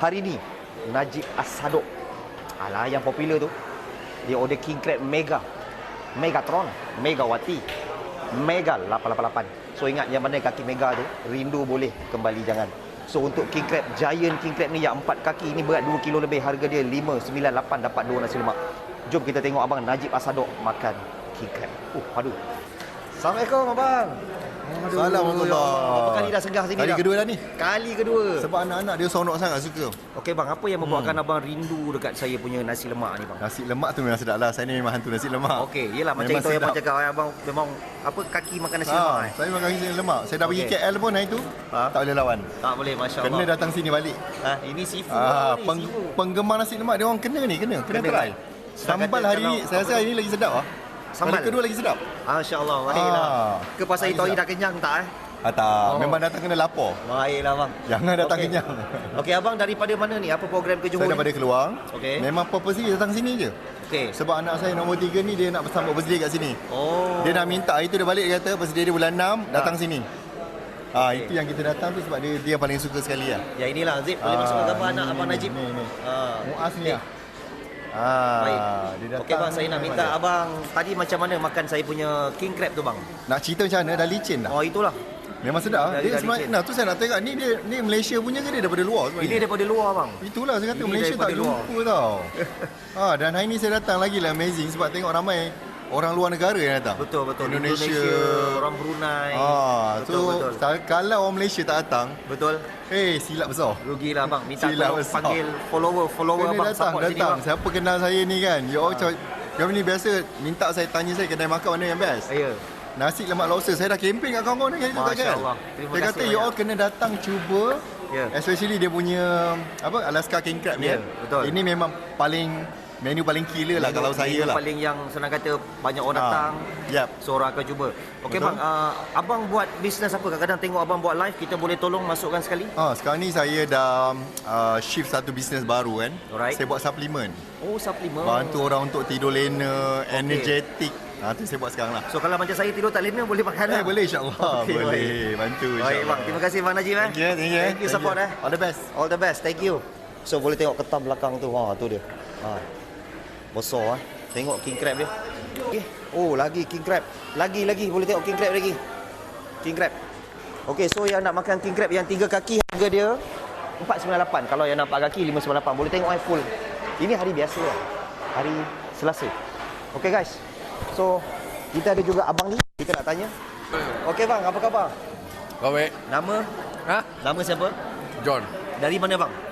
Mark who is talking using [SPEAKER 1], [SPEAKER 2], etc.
[SPEAKER 1] Hari ni Najib As-Sadok, alah yang popular tu, dia order king crab mega, Megatron, Megawati, Mega 888. So ingat yang mana kaki mega tu, rindu boleh, kembali jangan. So untuk king crab, giant king crab ni yang 4 kaki ni berat 2 kilo lebih, harga dia 598, dapat 2 nasi lemak. Jom kita tengok abang Najib As-Sadok makan king crab. Aduh. Assalamualaikum abang. Aduh,
[SPEAKER 2] Assalamualaikum.
[SPEAKER 1] berapa kali dah singgah sini
[SPEAKER 2] Kali
[SPEAKER 1] dah?
[SPEAKER 2] kedua dah ni.
[SPEAKER 1] Kali kedua.
[SPEAKER 2] Sebab anak-anak dia seronok sangat suka.
[SPEAKER 1] Okey bang, apa yang membuatkan abang rindu dekat saya punya nasi lemak ni bang?
[SPEAKER 2] Nasi lemak tu memang sedap lah. Saya ni memang hantu nasi lemak.
[SPEAKER 1] Okey, yelah macam
[SPEAKER 2] Memang
[SPEAKER 1] itu yang abang
[SPEAKER 2] sedap.
[SPEAKER 1] cakap, abang memang apa kaki makan nasi lemak eh?
[SPEAKER 2] Saya makan nasi lemak. Saya dah pergi
[SPEAKER 1] Okey.
[SPEAKER 2] KL pun hari tu. Tak boleh lawan.
[SPEAKER 1] Tak boleh, masya-Allah.
[SPEAKER 2] Kena datang sini balik.
[SPEAKER 1] Ini seafood ni, seafood.
[SPEAKER 2] Penggemar nasi lemak dia orang kena try. Sambal
[SPEAKER 1] kata
[SPEAKER 2] hari ni,
[SPEAKER 1] kalau-
[SPEAKER 2] saya rasa hari ni lagi sedap ah.
[SPEAKER 1] Sambal?
[SPEAKER 2] Kali kedua lagi sedap.
[SPEAKER 1] Masya-Allah, baiklah. Ke pasal itu hari
[SPEAKER 2] sedap.
[SPEAKER 1] dah kenyang tak eh?
[SPEAKER 2] Tak,
[SPEAKER 1] Oh.
[SPEAKER 2] memang datang kena lapar.
[SPEAKER 1] Baiklah bang.
[SPEAKER 2] Jangan datang
[SPEAKER 1] Okey.
[SPEAKER 2] kenyang.
[SPEAKER 1] Okey abang, daripada mana ni? Apa program ke Johor?
[SPEAKER 2] Saya daripada Keluang.
[SPEAKER 1] Okey.
[SPEAKER 2] Memang purpose dia datang sini je.
[SPEAKER 1] Okey.
[SPEAKER 2] Sebab anak saya nombor 3 ni dia nak sambut birthday kat sini.
[SPEAKER 1] Oh.
[SPEAKER 2] Dia dah minta, hari tu dia balik, dia kata birthday dia bulan 6, datang sini. Itu yang kita datang tu sebab dia yang paling suka sekali lah.
[SPEAKER 1] Ya inilah Zip, boleh masukkan gambar anak abang Najib.
[SPEAKER 2] Ni.
[SPEAKER 1] Ah.
[SPEAKER 2] Muaz ni lah.
[SPEAKER 1] Baik.
[SPEAKER 2] Dia datang.
[SPEAKER 1] Okey bang, saya nak minta abang tadi macam mana makan saya punya king crab tu bang?
[SPEAKER 2] Nak cerita macam mana, dah licin dah.
[SPEAKER 1] Oh itulah.
[SPEAKER 2] Memang sedap.
[SPEAKER 1] Dari
[SPEAKER 2] Dia
[SPEAKER 1] licin.
[SPEAKER 2] sebenarnya, tu saya nak tengok, ni Malaysia punya ke dia daripada luar sebenarnya?
[SPEAKER 1] Ini daripada luar bang.
[SPEAKER 2] Itulah saya kata
[SPEAKER 1] Ini
[SPEAKER 2] Malaysia tak
[SPEAKER 1] daripada luar.
[SPEAKER 2] jumpa tau. Dan hari ni saya datang lagi lah amazing sebab tengok ramai orang luar negara yang datang.
[SPEAKER 1] Betul.
[SPEAKER 2] Indonesia.
[SPEAKER 1] Orang Brunei.
[SPEAKER 2] Betul. Kalau orang Malaysia tak datang,
[SPEAKER 1] Betul.
[SPEAKER 2] silap besar.
[SPEAKER 1] Rugilah bang. Minta
[SPEAKER 2] Silap
[SPEAKER 1] tolong
[SPEAKER 2] besar.
[SPEAKER 1] panggil follower
[SPEAKER 2] Kena
[SPEAKER 1] abang
[SPEAKER 2] datang.
[SPEAKER 1] support sini bang.
[SPEAKER 2] Siapa kenal saya ni kan? You all kami ni biasa minta saya tanya saya kedai makan mana yang best.
[SPEAKER 1] Ya.
[SPEAKER 2] Nasi lemak lobster. Saya dah campaign kat kawan-kawan ni.
[SPEAKER 1] Masya Allah. Terima
[SPEAKER 2] Dia
[SPEAKER 1] kasih
[SPEAKER 2] kata you all
[SPEAKER 1] banyak.
[SPEAKER 2] kena datang cuba.
[SPEAKER 1] Ya.
[SPEAKER 2] Especially dia punya Alaska King Crab ni.
[SPEAKER 1] Ya,
[SPEAKER 2] kan.
[SPEAKER 1] betul.
[SPEAKER 2] Ini memang menu paling killer lah kalau saya
[SPEAKER 1] Menu
[SPEAKER 2] lah.
[SPEAKER 1] paling yang senang kata banyak orang datang.
[SPEAKER 2] Yap.
[SPEAKER 1] So orang akan cuba. Okey
[SPEAKER 2] Betul.
[SPEAKER 1] bang, abang buat bisnes apa? Kadang-kadang tengok abang buat live, kita boleh tolong masukkan sekali?
[SPEAKER 2] Sekarang ni saya dah shift satu bisnes baru kan.
[SPEAKER 1] Alright.
[SPEAKER 2] Saya buat suplemen.
[SPEAKER 1] Oh, suplemen.
[SPEAKER 2] Bantu orang untuk tidur lena, energetic. Tu saya buat sekarang lah.
[SPEAKER 1] So kalau macam saya tidur tak lena boleh makan lah.
[SPEAKER 2] Boleh insyaAllah.
[SPEAKER 1] Okey,
[SPEAKER 2] boleh. Bantu
[SPEAKER 1] Baik
[SPEAKER 2] insyaAllah.
[SPEAKER 1] bang, terima kasih bang Najib.
[SPEAKER 2] Thank you.
[SPEAKER 1] Thank you support eh.
[SPEAKER 2] All the best.
[SPEAKER 1] All the best. Thank you. So boleh tengok ketam belakang tu. Tu dia. Besar Tengok king crab dia. Okay. Oh, lagi king crab. Lagi boleh tengok king crab lagi. King crab. Okey, so yang nak makan king crab yang 3 kaki harga dia 498. Kalau yang nak 4 kaki 598. Boleh tengok full. Ini hari biasa lah. Hari Selasa. Okey guys. So kita ada juga abang ni. Kita nak tanya. Okey bang, apa khabar?
[SPEAKER 3] Baik.
[SPEAKER 1] Nama?
[SPEAKER 3] Ha?
[SPEAKER 1] Nama siapa?
[SPEAKER 3] John.
[SPEAKER 1] Dari mana bang?